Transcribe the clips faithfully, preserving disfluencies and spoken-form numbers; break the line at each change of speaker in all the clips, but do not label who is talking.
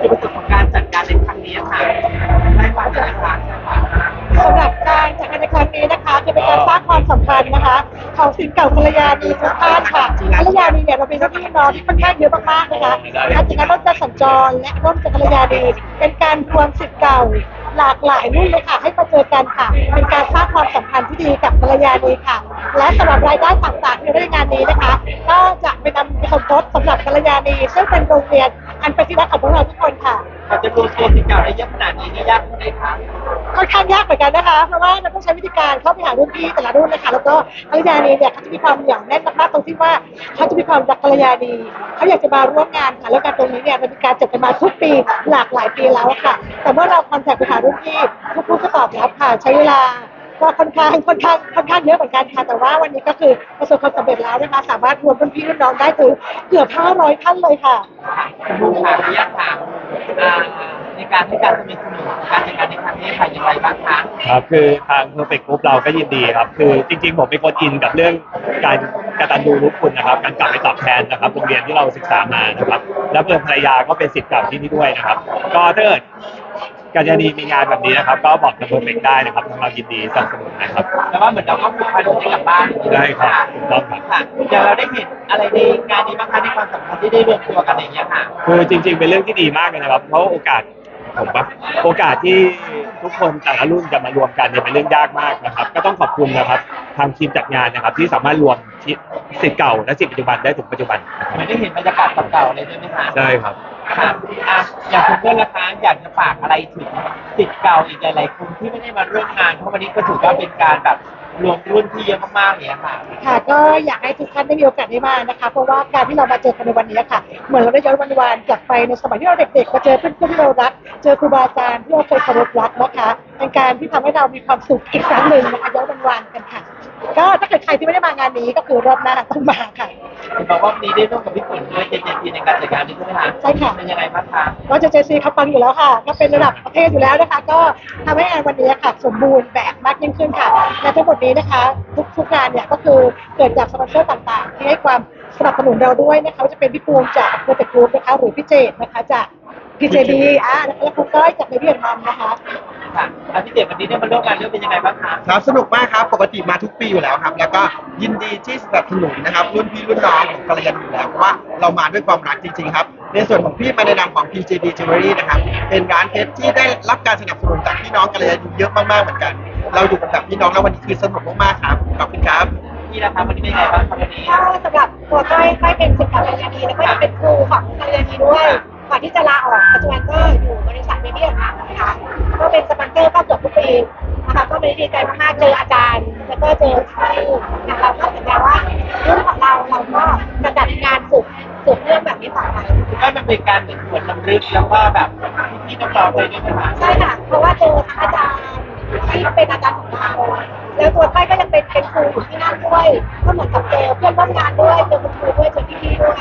จุดประสงค์ของการจัดการในครั้งนี้ค่ะได้ฟังจากทาง
สำหรับการจัดงานในครั้งนี้นะคะจะเป็นการสร้างความสัมพันธ์นะคะของศิษย์เก่ากัลยาณีทุกท่านค่ะกัลยาณีเนี่ยเราเป็นพี่น้องที่ค่อนข้างเยอะมากๆนะคะการจัดงานร่วมใจสัญจรและร่วมใจกัลยาณีเป็นการรวมศิษย์เก่าหลากหลายรุ่นเลยค่ะให้มาเจอกันค่ะเป็นการสร้างความสัมพันธ์ที่ดีกับกัลยาณีค่ะและสำหรับรายได้ต่างๆที่ได้งานนี้นะคะก็จะไปนำไปสมทบสำหรับกัลยาณีซึ่งเป็นโรงเรียนอันเป็นที่รักของพวกเราทุกคนค่ะ
เราจะรวมตัวศิษย์เก่าได้เยอะขนาดนี้นี่ยากไหมคะ
ค่อนข้างยากเหมือนกันนะคะเพราะว่าเราต้องใช้วิธีการเข้าไปหารุ่นพี่แต่ละรุ่นนะคะแล้วก็กัลยาณีเนี่ยเขาจะมีความเหนียวแน่นมากๆตรงที่ว่าเขาจะมีความรักกัลยาณีเขาอยากจะมาร่วมงานค่ะแล้วการตรงนี้เนี่ยมันมีการจัดกันมาทุกปีหลากหลายปีแล้วค่ะแต่เมื่อเราคอนแทคไปหารุ่นพี่ทุกรุ่นก็ตอบรับค่ะใช้เวลาก็ค่อนข้างค่อนข้างค่อนข้างเยอะเหมือนกันค่ะแต่ว่าวันนี้ก็คือประสบความสำเร็จแล้วนะคะสามารถรวมรุ่นพี่รุ่นน้องได้ถึงเกือบห้าร้อยท่านเลยค่ะ
คุณผู้ค่ะระยะทางในการให้การสนับสนุนการจัดการในครั้งนี้ค่ะอย่างไรบ้างคะ
ครับคือทาง Perfect Group เราก็ยินดีครับคือจริงๆผมเป็นคนอินกับเรื่องการกตัญญูรู้คุณนะครับการกลับไปตอบแทนนะครับโรงเรียนที่เราศึกษามานะครับแล้วเพื่อนภรรยาก็เป็นศิษย์เก่าที่นี่ด้วยนะครับก็ถ้าเกิดกัลยาณีมีงานแบบนี้นะครับก็บอกกับ Perfect ได้นะครับทางเรายินดีสนับสนุนนะครับ
แต่ว่าเหมือนเราก็ผูกพันให้กับบ้าน
ได้ครับถูกต้องครับ
ค่ะอย่างเราได้เห็นอะไรในงานนี้บ้างคะในความสัมพันธ์ที่ได้รวมตัวกันอย่างเงี้ยค่ะ
คือจริงๆเป็นเรื่องที่ดีมากเลยนะครับเพราะโอกาสผมปะโอกาสที่ทุกคนแต่ละรุ่นจะมารวมกันเนี่ยเป็นเรื่องยากมากนะครับก็ต้องขอบคุณนะครับทางทีมจัดงานนะครับที่สามารถรวมศิษย์เก่าและศิษย์ปัจจุบันได้ถึงปัจจุบันนะครับ
ไม่ได้เห็นบรรยากาศเก่าๆเลยใช่ไหมคะ
ใช่ครับ
ค่ะอ่ะอย่างคุณเพื่อนนะคะอยากจะฝากอะไรถึงศิษย์เก่าอีกหลายๆคนที่ไม่ได้มาร่วมงานเพราะวันนี้ก็ถือว่าเป็นการแบบรวมรุ่นที่เยอะมากๆเนี่ยค่ะ
ค่ะก็อยากให้ทุกท่านได้มีโอกาสได้มานะคะเพราะว่าการที่เรามาเจอกันในวันนี้ค่ะเหมือนเราได้ย้อนวันวานกลับไปในสมัยที่เราเด็กๆมาเจอเพื่อนๆที่เรารักเจอครูบาอาจารย์ที่เราเคยเคารพรักนะคะเป็นการที่ทำให้เรามีความสุขอีกครั้งหนึ่งนะคะย้อนวันวานกันค่ะก็ถ้าเกิดใครที่ไม่ได้มางานนี้ก็คือรอบหน้าต้องมาค่ะ
คุณบอกว่าวันนี้ได้ร่วมกับพี่ฝนด้วยเจเจซีในการจัดการนี้ใช่ไหมคะ
ใช่ค่ะ
เป็นยังไงบ้างคะ
ก็เจเจซีเขาปังอยู่แล้วค่ะก็เป็นระดับประเทศอยู่แล้วนะคะก็ทำให้งานวันนี้ค่ะสมบูรณ์แบบมากยิ่งขึ้นค่ะและทั้งหมดนี้นะคะทุกทุกงานเนี่ยก็คือเกิดจากสปอนเซอร์ต่างๆที่ให้ความสนับสนุนเราด้วยนะคะจะเป็นพี่ปูมจาก Perfect Group นะคะหรือพี่เจดนะคะจาก พี เจ บี อ่ะแล้วคุณก้อยจากในเวียดนามนะคะ
ค่ะอาทิตย์เด็กวันนี้ได้มาร่วมงานเรื่องเป็นยังไงบ้างคะ
ครับสนุกมากครับปกติมาทุกปีอยู่แล้วครับแล้วก็ยินดีที่สนับสนุนนะครับรุ่นพี่รุ่นน้องของกัลยาณีอยู่แล้วเพราะว่าเรามาด้วยความรักจริงๆครับในส่วนของพี่มาในนามของ พี เจ บี Jewelry นะครับเป็นร้านเพชรที่ได้รับการสนับสนุนจากพี่น้องกัลยาณีเยอะมากๆเหมือนกันเราอยู่กันแบบพี่น้องแล้ววันนี้คือสนุกมากๆครับขอบคุณครับ
พี่นะคะวันนี้เป็นยังไงบ้างครับวันนี้
ก็สำหรับตัวก้อยก้อยเป็นศิษย์เก่ากัลยาณีแล้วก็เป็นครูของกัลยาณีด้วยก่อนที่จะลาออกปัจจุบันก็อยู่บริษัทเมเดียนะคะก็เป็นสปอนเซอร์ก็เกือบทุกปีนะคะก็ไม่ได้ดีใจมากๆเจออาจารย์แล้วก็เจอที่นะคะก็สัญญาว่ารุ่นของเราเราก็จะจัดงานสุดสุดเรื่องแบบนี้ต่อไป
ก็มันเป็นการเหมือนหวนรำลึกแล้วก็แบบพี่น้องๆเลยด้วยนะคะ
ใช่ค่ะเพราะว่าเจอทั้งอาจารย์ที่เป็นอาจารย์ของเราแล้วตัวก้อยก็ยังเป็นเป็นครูอยู่ที่นั่นด้วยก็เหมือนกับเจอเพื่อนร่วมงานด้วยเจอคุณครูด้วยเจอพี่ๆด้วย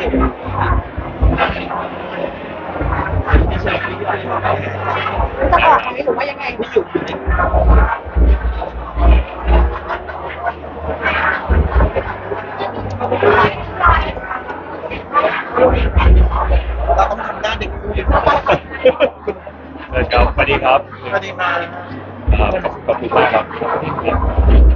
จะออกไหมหรือว่ายังไง
ไม่อยู่อยู่ใน
เราต้องทำหน้าเด็กคู่
ครับสวัสดีครับ
สวัสดีครับ
ขอบคุณมากครับ